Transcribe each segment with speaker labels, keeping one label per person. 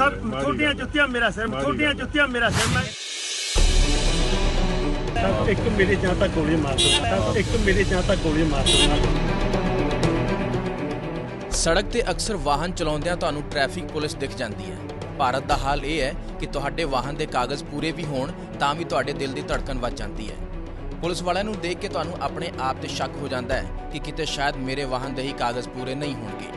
Speaker 1: Sir छोटियां जुत्तियां मेरा सिर, छोटियां जुत्तियां मेरा सिर। मैं एक मेरे जहाँ तक गोली मार दो, एक मेरे जहाँ तक गोली मार दो।
Speaker 2: सड़क ਤੇ ਅਕਸਰ ਵਾਹਨ ਚਲਾਉਂਦਿਆਂ ਤੁਹਾਨੂੰ ਟ੍ਰੈਫਿਕ ਪੁਲਿਸ ਦਿਖ ਜਾਂਦੀ ਹੈ। ਭਾਰਤ ਦਾ ਹਾਲ ਇਹ ਹੈ ਕਿ ਤੁਹਾਡੇ ਵਾਹਨ ਦੇ ਕਾਗਜ਼ ਪੂਰੇ ਵੀ ਹੋਣ ਤਾਂ ਵੀ ਤੁਹਾਡੇ ਦਿਲ ਦੀ ਧੜਕਣ ਵੱਧ ਜਾਂਦੀ ਹੈ। ਪੁਲਿਸ ਵਾਲਿਆਂ ਨੂੰ ਦੇਖ ਕੇ ਤੁਹਾਨੂੰ ਆਪਣੇ ਆਪ ਤੇ ਸ਼ੱਕ ਹੋ ਜਾਂਦਾ ਹੈ ਕਿ ਕਿਤੇ ਸ਼ਾਇਦ ਮੇਰੇ ਵਾਹਨ ਦੇ ਹੀ ਕਾਗਜ਼ ਪੂਰੇ ਨਹੀਂ ਹੋਣਗੇ।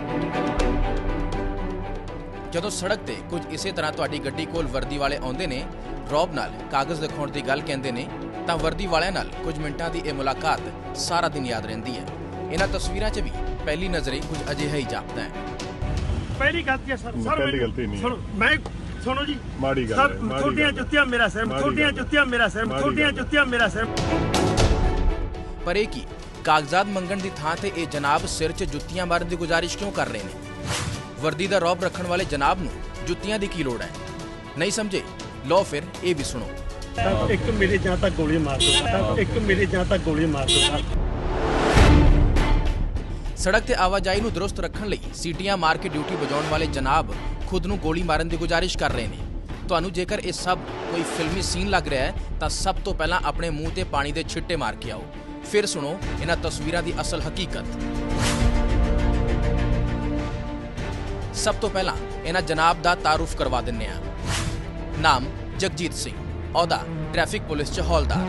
Speaker 2: ਜਦੋਂ ਸੜਕ ਤੇ ਕੁਝ ਇਸੇ ਤਰ੍ਹਾਂ ਤੁਹਾਡੀ ਗੱਡੀ ਕੋਲ ਵਰਦੀ ਵਾਲੇ ਆਉਂਦੇ ਨੇ, ਰੌਬ ਨਾਲ ਕਾਗਜ਼ ਦਿਖਾਉਣ ਦੀ ਗੱਲ ਕਹਿੰਦੇ ਨੇ, ਤਾਂ ਵਰਦੀ ਵਾਲਿਆਂ ਨਾਲ ਕੁਝ ਮਿੰਟਾਂ ਦੀ ਇਹ ਮੁਲਾਕਾਤ ਸਾਰਾ ਦਿਨ ਯਾਦ ਰਹਿੰਦੀ ਹੈ। ਇਹਨਾਂ ਤਸਵੀਰਾਂ 'ਚ ਵੀ ਪਹਿਲੀ ਨਜ਼ਰੇ ਕੁਝ ਅਜਿਹਾ ਹੀ ਜਾਪਦਾ ਹੈ।
Speaker 1: ਪਹਿਲੀ ਗਲਤੀ ਹੈ ਸਰ,
Speaker 3: ਪਹਿਲੀ ਗਲਤੀ ਨਹੀਂ
Speaker 1: ਸੁਣੋ, ਮੈਂ ਸੁਣੋ ਜੀ,
Speaker 3: ਮਾੜੀ ਗੱਲ
Speaker 1: ਸਰ
Speaker 3: ਹੈ।
Speaker 1: ਛੋਟੀਆਂ ਜੁੱਤੀਆਂ ਮੇਰਾ ਸਿਰ, ਛੋਟੀਆਂ ਜੁੱਤੀਆਂ ਮੇਰਾ ਸਿਰ, ਛੋਟੀਆਂ ਜੁੱਤੀਆਂ ਮੇਰਾ ਸਿਰ।
Speaker 2: ਪਰ ਇਹ ਕੀ ਕਾਗਜ਼ਾਤ ਮੰਗਣ ਦੀ ਥਾਂ ਤੇ ਇਹ ਜਨਾਬ ਸਿਰ 'ਚ ਜੁੱਤੀਆਂ ਮਾਰਨ ਦੀ ਗੁਜ਼ਾਰਿਸ਼ ਕਿਉਂ ਕਰ ਰਹੇ ਨੇ? ਵਰਦੀ ਦਾ ਰੌਬ ਰੱਖਣ ਵਾਲੇ ਜਨਾਬ ਨੂੰ ਜੁੱਤੀਆਂ ਦੀ ਕੀ ਲੋੜ ਹੈ? ਨਹੀਂ ਸਮਝੇ? ਲਓ ਫਿਰ ਇਹ ਵੀ ਸੁਣੋ।
Speaker 1: ਇੱਕ ਮੇਰੇ ਜहाँ तक गोली मार दो, एक मेरे जहाँ तक गोली मार दो।
Speaker 2: ਸੜਕ ਤੇ ਆਵਾਜਾਈ ਨੂੰ ਦਰੁਸਤ ਰੱਖਣ ਲਈ ਸੀਟੀਆਂ ਮਾਰ ਕੇ ਡਿਊਟੀ ਵਜਾਉਣ ਵਾਲੇ ਜਨਾਬ ਖੁਦ ਨੂੰ ਗੋਲੀ ਮਾਰਨ ਦੀ ਗੁਜ਼ਾਰਿਸ਼ ਕਰ ਰਹੇ ਨੇ। ਤੁਹਾਨੂੰ ਜੇਕਰ ਇਹ ਸਭ ਕੋਈ ਫਿਲਮੀ ਸੀਨ ਲੱਗ ਰਿਹਾ ਹੈ ਤਾਂ ਸਭ ਤੋਂ ਪਹਿਲਾਂ ਆਪਣੇ ਮੂੰਹ ਤੇ ਪਾਣੀ ਦੇ ਛਿੱਟੇ ਮਾਰ ਕੇ ਆਓ, ਫਿਰ ਸੁਣੋ ਇਹਨਾਂ ਤਸਵੀਰਾਂ ਦੀ ਅਸਲ ਹਕੀਕਤ। ਸਭ ਤੋਂ ਪਹਿਲਾਂ ਇਹਨਾਂ ਜਨਾਬ ਦਾ ਤਾਰੁਫ ਕਰਵਾ ਦਿੰਨੇ ਆ। ਨਾਮ ਜਗਜੀਤ ਸਿੰਘ, ਅਹੁਦਾ ਟ੍ਰੈਫਿਕ ਪੁਲਿਸ 'ਚ ਹੌਲਦਾਰ।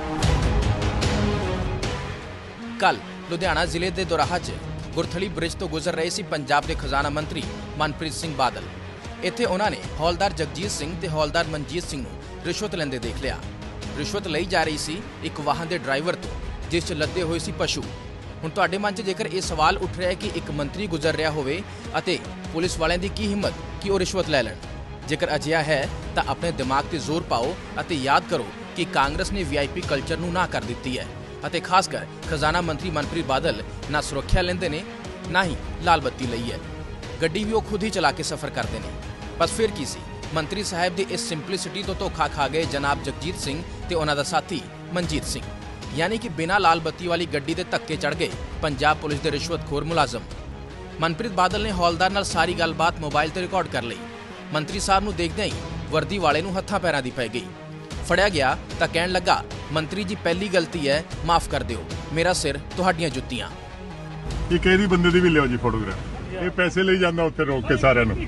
Speaker 2: ਕੱਲ ਲੁਧਿਆਣਾ ਜ਼ਿਲ੍ਹੇ ਦੇ ਦੋਰਾਹਾ 'ਚ ਗੁਰਥਲੀ ਬ੍ਰਿਜ ਤੋਂ ਗੁਜ਼ਰ ਰਹੇ ਸੀ ਪੰਜਾਬ ਦੇ ਖਜ਼ਾਨਾ ਮੰਤਰੀ ਮਨਪ੍ਰੀਤ ਸਿੰਘ ਬਾਦਲ। ਇੱਥੇ ਉਹਨਾਂ ਨੇ ਹੌਲਦਾਰ ਜਗਜੀਤ ਸਿੰਘ ਤੇ ਹੌਲਦਾਰ ਮਨਜੀਤ ਸਿੰਘ ਨੂੰ ਰਿਸ਼ਵਤ ਲੈਂਦੇ ਦੇਖ ਲਿਆ। ਰਿਸ਼ਵਤ ਲਈ ਜਾ ਰਹੀ ਸੀ ਇੱਕ ਵਾਹਨ ਦੇ ਡਰਾਈਵਰ ਤੋਂ, ਜਿਸ 'ਚ ਲੱਦੇ ਹੋਏ ਸੀ ਪਸ਼ੂ। ਹੁਣ ਤੁਹਾਡੇ ਮਨ 'ਚ ਜੇਕਰ ਇਹ ਸਵਾਲ ਉੱਠ ਰਿਹਾ ਹੈ ਕਿ ਇੱਕ ਮੰਤਰੀ ਗੁਜ਼ਰ ਰਿਹਾ ਹੋਵੇ ਅਤੇ ਪੁਲਿਸ ਵਾਲਿਆਂ ਦੀ ਕੀ ਹਿੰਮਤ ਕਿ ਉਹ ਰਿਸ਼ਵਤ ਲੈ ਲੈਣ। ਜੇਕਰ ਅਜਿਹਾ ਹੈ ਤਾਂ ਆਪਣੇ ਦਿਮਾਗ ਤੇ ਜ਼ੋਰ ਪਾਓ ਅਤੇ ਯਾਦ ਕਰੋ ਕਿ ਕਾਂਗਰਸ ਨੇ VIP ਕਲਚਰ ਨੂੰ ਨਾ ਕਰ ਦਿੱਤੀ ਹੈ ਅਤੇ ਖਾਸ ਕਰ ਖਜ਼ਾਨਾ ਮੰਤਰੀ ਮਨਪ੍ਰੀਤ ਬਾਦਲ ਨਾ ਸੁਰੱਖਿਆ ਲੈਂਦੇ ਨੇ ਨਾ ਹੀ ਲਾਲ ਬੱਤੀ ਲਈ ਹੈ। ਗੱਡੀ ਵੀ ਉਹ ਖੁਦ ਹੀ ਚਲਾ ਕੇ ਸਫ਼ਰ ਕਰਦੇ ਨੇ। ਬਸ ਫਿਰ ਕੀ ਸੀ, ਮੰਤਰੀ ਸਾਹਿਬ ਦੀ ਇਸ ਸਿੰਪਲਿਸਿਟੀ ਤੋਂ ਧੋਖਾ ਖਾ ਗਏ ਜਨਾਬ ਜਗਜੀਤ ਸਿੰਘ ਤੇ ਉਹਨਾਂ ਦਾ ਸਾਥੀ ਮਨਜੀਤ ਸਿੰਘ। ਯਾਨੀ ਕਿ ਬਿਨਾਂ ਲਾਲ ਬੱਤੀ ਵਾਲੀ ਗੱਡੀ ਦੇ ਧੱਕੇ ਚੜ ਗਏ ਪੰਜਾਬ ਪੁਲਿਸ ਦੇ ਰਿਸ਼ਵਤਖੋਰ ਮੁਲਾਜ਼ਮ। ਮਨਪ੍ਰੀਤ ਬਾਦਲ ਨੇ ਹੌਲਦਾਰ ਨਾਲ ਸਾਰੀ ਗੱਲਬਾਤ ਮੋਬਾਈਲ ਤੇ ਰਿਕਾਰਡ ਕਰ ਲਈ। ਮੰਤਰੀ ਸਾਹਿਬ ਨੂੰ ਦੇਖਦਿਆਂ ਹੀ ਵਰਦੀ ਵਾਲੇ ਨੂੰ ਹੱਥਾਂ ਪੈਰਾਂ ਦੀ ਪੈ ਗਈ। ਫੜਿਆ ਗਿਆ ਤਾਂ ਕਹਿਣ ਲੱਗਾ, ਮੰਤਰੀ ਜੀ ਪਹਿਲੀ ਗਲਤੀ ਹੈ, ਮਾਫ ਕਰ ਦਿਓ, ਮੇਰਾ ਸਿਰ ਤੁਹਾਡੀਆਂ ਜੁੱਤੀਆਂ।
Speaker 3: ਇਹ ਕਿਹੜੀ ਬੰਦੇ ਦੀ ਵੀ ਲਿਓ ਜੀ ਫੋਟੋਗ੍ਰਾਫ। ਇਹ ਪੈਸੇ ਲਈ ਜਾਂਦਾ ਉੱਥੇ ਰੋਕ ਕੇ ਸਾਰਿਆਂ ਨੂੰ।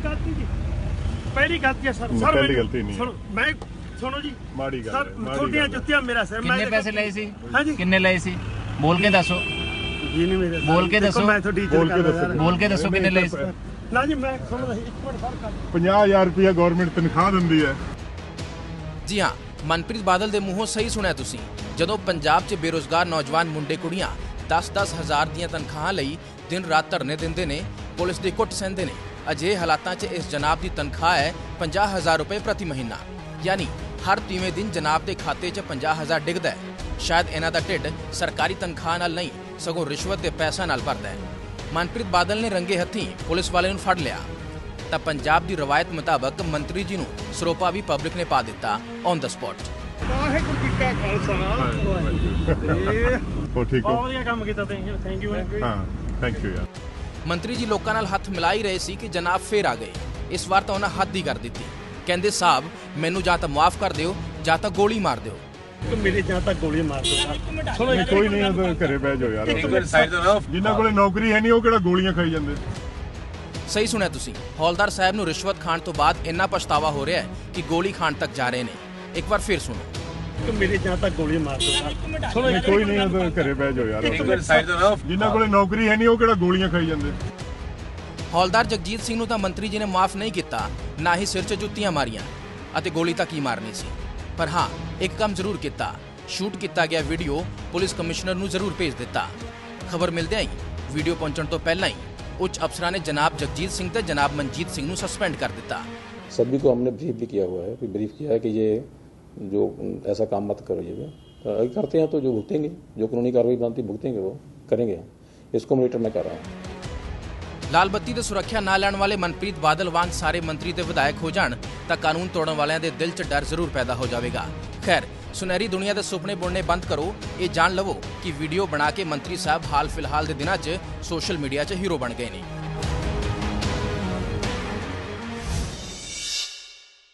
Speaker 1: ਪਹਿਲੀ ਗਲਤੀ ਹੈ ਸਰ,
Speaker 3: ਪਹਿਲੀ ਗਲਤੀ ਨਹੀਂ।
Speaker 1: ਸੁਣੋ, ਮੈਂ ਸੁਣੋ ਜੀ,
Speaker 3: ਮਾੜੀ ਗੱਲ
Speaker 1: ਸਰ ਛੋਟੀਆਂ ਜੁੱਤੀਆਂ ਮੇਰਾ ਸਿਰ।
Speaker 4: ਕਿੰਨੇ ਪੈਸੇ ਲਏ ਸੀ?
Speaker 1: ਹਾਂਜੀ
Speaker 4: ਕਿੰਨੇ ਲਏ ਸੀ? ਬੋਲ ਕੇ ਦੱਸੋ,
Speaker 1: ਜੀ ਨਹੀਂ ਮੇਰੇ
Speaker 4: ਬੋਲ ਕੇ ਦੱਸੋ,
Speaker 1: ਮੈਂ ਤੁਹਾਡੀ
Speaker 3: ਬੋਲ ਕੇ ਦੱਸੋ।
Speaker 4: ਬੋਲ ਕੇ ਦੱਸੋ ਕਿੰਨੇ ਲਏ ਸੀ?
Speaker 1: ਨਾ ਜੀ ਮੈਂ ਸੁਣਦਾ, ਇੱਕ ਮਿੰਟ ਸਰ।
Speaker 3: 50,000 ਰੁਪਇਆ ਗਵਰਨਮੈਂਟ ਤਨਖਾਹ ਦਿੰਦੀ ਹੈ।
Speaker 2: ਜੀ ਹਾਂ, ਮਨਪ੍ਰੀਤ ਬਾਦਲ ਦੇ ਮੂੰਹੋਂ ਸਹੀ ਸੁਣਿਆ ਤੁਸੀਂ। ਜਦੋਂ ਪੰਜਾਬ 'ਚ ਬੇਰੁਜ਼ਗਾਰ ਨੌਜਵਾਨ ਮੁੰਡੇ ਕੁੜੀਆਂ 10-10 ਹਜ਼ਾਰ ਦੀਆਂ ਤਨਖਾਹਾਂ ਲਈ ਦਿਨ ਰਾਤ ਧਰਨੇ ਦਿੰਦੇ ਨੇ, ਪੁਲਿਸ ਦੀ ਕੁੱਟ ਸਹਿੰਦੇ ਨੇ, ਅਜਿਹੇ ਹਾਲਾਤਾਂ 'ਚ ਇਸ ਜਨਾਬ ਦੀ ਤਨਖਾਹ ਹੈ 50,000 ਰੁਪਏ ਪ੍ਰਤੀ ਮਹੀਨਾ। ਯਾਨੀ ਹਰ 3ਵੇਂ ਦਿਨ ਜਨਾਬ ਦੇ ਖਾਤੇ 'ਚ 50,000 ਡਿੱਗਦਾ ਹੈ। ਸ਼ਾਇਦ ਇਹਨਾਂ ਦਾ ਢਿੱਡ ਸਰਕਾਰੀ ਤਨਖਾਹ ਨਾਲ ਨਹੀਂ ਸਗੋਂ ਰਿਸ਼ਵਤ ਦੇ ਪੈਸਾ ਨਾਲ ਭਰਦਾ ਹੈ। ਮਨਪ੍ਰੀਤ ਬਾਦਲ ਨੇ ਰੰਗੇ ਹੱਥੀਂ ਪੁਲਿਸ ਵਾਲੇ ਨੂੰ ਫੜ ਲਿਆ ਤਾਂ ਪੰਜਾਬ ਦੀ ਰਵਾਇਤ ਮੁਤਾਬਕ ਮੰਤਰੀ ਜੀ ਨੂੰ ਸਰੋਪਾ ਵੀ ਪਬਲਿਕ ਨੇ ਪਾ ਦਿੱਤਾ ਔਨ ਦ ਸਪੌਟ।
Speaker 1: ਵਾਹਿਗੁਰੂ ਜੀ ਕਾ ਖਾਲਸਾ,
Speaker 3: ਹੋ ਠੀਕ ਹੋ?
Speaker 1: ਬਹੁਤ ਵਧੀਆ ਕੰਮ ਕੀਤਾ ਤੁਸੀਂ, ਥੈਂਕ ਯੂ।
Speaker 3: ਹਾਂ, ਥੈਂਕ ਯੂ ਯਾਰ।
Speaker 2: ਮੰਤਰੀ ਜੀ ਲੋਕਾਂ ਨਾਲ ਹੱਥ ਮਿਲਾ ਹੀ ਰਹੇ ਸੀ ਕਿ ਜਨਾਬ ਫੇਰ ਆ ਗਏ। ਇਸ ਵਾਰ ਤਾਂ ਉਹਨਾਂ ਹੱਦ ਹੀ ਕਰ ਦਿੱਤੀ। ਕਹਿੰਦੇ, ਸਾਹਿਬ ਮੈਨੂੰ ਜਾਂ ਤਾਂ ਮੁਆਫ ਕਰ ਦਿਓ ਜਾਂ ਤਾਂ ਗੋਲੀ ਮਾਰ ਦਿਓ।
Speaker 1: ਮੇਰੇ ਜहाँ तक गोली मार दो।
Speaker 3: ਸੁਣੋ ਕੋਈ ਨਹੀਂ, ਉਹ ਘਰੇ ਬਹਿ ਜਾਓ ਯਾਰ। ਜਿਨ੍ਹਾਂ ਕੋਲੇ ਨੌਕਰੀ ਹੈ ਨਹੀਂ ਉਹ ਕਿਹੜਾ ਗੋਲੀਆਂ ਖਾਈ ਜਾਂਦੇ।
Speaker 2: ਸਹੀ ਸੁਣਿਆ ਤੁਸੀਂ, ਹੌਲਦਾਰ ਸਾਹਿਬ ਨੂੰ ਰਿਸ਼ਵਤ ਖਾਣ ਤੋਂ ਬਾਅਦ ਇੰਨਾ ਪਛਤਾਵਾ ਹੋ ਰਿਹਾ ਹੈ ਕਿ ਗੋਲੀ ਖਾਣ ਤੱਕ ਜਾ ਰਹੇ ਨੇ। ਇੱਕ ਵਾਰ ਫਿਰ ਸੁਣੋ।
Speaker 1: ਮੇਰੇ ਜहाँ तक गोली मार दो।
Speaker 3: ਸੁਣੋ ਕੋਈ ਨਹੀਂ, ਉਹ ਘਰੇ ਬਹਿ ਜਾਓ ਯਾਰ। ਜਿਨ੍ਹਾਂ ਕੋਲੇ ਨੌਕਰੀ ਹੈ ਨਹੀਂ ਉਹ ਕਿਹੜਾ ਗੋਲੀਆਂ ਖਾਈ ਜਾਂਦੇ।
Speaker 2: ਹੌਲਦਾਰ ਜਗਜੀਤ ਸਿੰਘ ਨੂੰ ਤਾਂ ਮੰਤਰੀ ਜੀ ਨੇ ਮਾਫ ਨਹੀਂ ਕੀਤਾ, ਨਾ ਹੀ ਸਿਰ 'ਚ ਜੁੱਤੀਆਂ ਮਾਰੀਆਂ ਅਤੇ ਗੋਲੀ ਤਾਂ ਕੀ ਮਾਰਨੀ ਸੀ। ਪਰ ਹਾਂ, ਇੱਕ ਕੰਮ ਜ਼ਰੂਰ ਕੀਤਾ, ਸ਼ੂਟ ਕੀਤਾ ਗਿਆ ਵੀਡੀਓ ਪੁਲਿਸ ਕਮਿਸ਼ਨਰ ਨੂੰ ਜ਼ਰੂਰ ਭੇਜ ਦਿੱਤਾ। ਖਬਰ ਮਿਲਦਿਆਂ ਹੀ ਵੀਡੀਓ ਪਹੁੰਚਣ ਤੋਂ ਪਹਿਲਾਂ ਹੀ ਉੱਚ ਅਫਸਰਾਂ ਨੇ ਜਨਾਬ ਜਗਜੀਤ ਸਿੰਘ ਤੇ जनाब मनजीत सिंह ਨੂੰ सस्पेंड कर दिता।
Speaker 5: सभी को हमने ब्रीफ भी किया हुआ है, ब्रीफ किया है कि ये जो ऐसा काम मत करिएगा, अगर करते हैं तो जो भुगतेंगे, जो कानूनी कार्रवाई बनती भुगतेंगे वो करेंगे। इसको मॉनिटर मैं कर रहा हूँ।
Speaker 2: ਲਾਲ ਬੱਤੀ ਤੇ ਸੁਰੱਖਿਆ ਨਾ ਲੈਣ ਵਾਲੇ ਮਨਪ੍ਰੀਤ ਬਾਦਲ ਵਾਂਗ ਸਾਰੇ ਮੰਤਰੀ ਤੇ ਵਿਧਾਇਕ ਹੋ ਜਾਣ ਤਾਂ ਕਾਨੂੰਨ ਤੋੜਨ ਵਾਲਿਆਂ ਦੇ ਦਿਲ 'ਚ ਡਰ ਜ਼ਰੂਰ ਪੈਦਾ ਹੋ ਜਾਵੇਗਾ। ਖੈਰ, ਸੁਨਹਿਰੀ ਦੁਨੀਆ ਦੇ ਸੁਪਨੇ ਬੁਣਨੇ ਬੰਦ ਕਰੋ। ਇਹ ਜਾਣ ਲਵੋ ਕਿ ਵੀਡੀਓ ਬਣਾ ਕੇ ਮੰਤਰੀ ਸਾਹਿਬ ਹਾਲ ਫਿਲਹਾਲ ਦੇ ਦਿਨਾਂ 'ਚ ਸੋਸ਼ਲ ਮੀਡੀਆ 'ਚ ਹੀਰੋ ਬਣ ਗਏ ਨੇ।